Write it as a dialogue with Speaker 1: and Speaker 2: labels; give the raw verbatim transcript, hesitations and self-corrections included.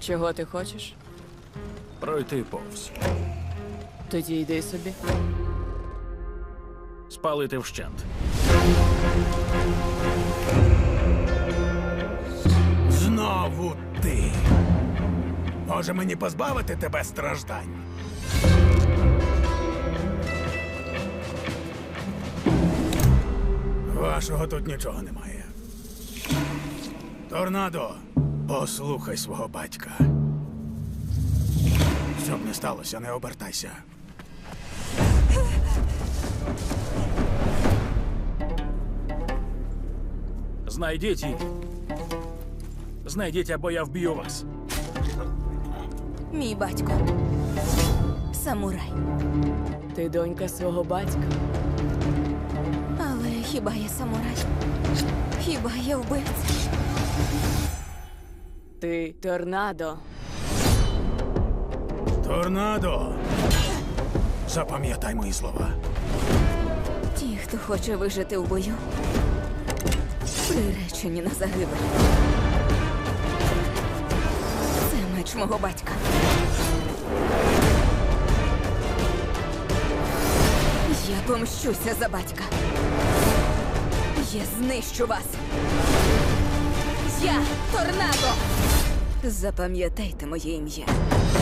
Speaker 1: Чого ти хочеш?
Speaker 2: Пройти повз.
Speaker 1: Тоді йди собі.
Speaker 2: Спалити вщент.
Speaker 3: Знову ти. Може мені позбавити тебе страждань? Вашого тут нічого немає. Торнадо, послухай свого батька. Щоб не сталося, не обертайся.
Speaker 2: Знайдіть її. Знайдіть, або я вб'ю вас.
Speaker 4: Мій батько. Самурай.
Speaker 1: Ти донька свого батька.
Speaker 4: Але хіба я самурай? Хіба я вбивця?
Speaker 1: Ти торнадо.
Speaker 3: Торнадо! Запам'ятай мої слова.
Speaker 4: Ті, хто хоче вижити в бою, приречені на загибель. Це меч мого батька. Я помщуся за батька. Я знищу вас. Я Торнадо. Запам'ятайте моє ім'я.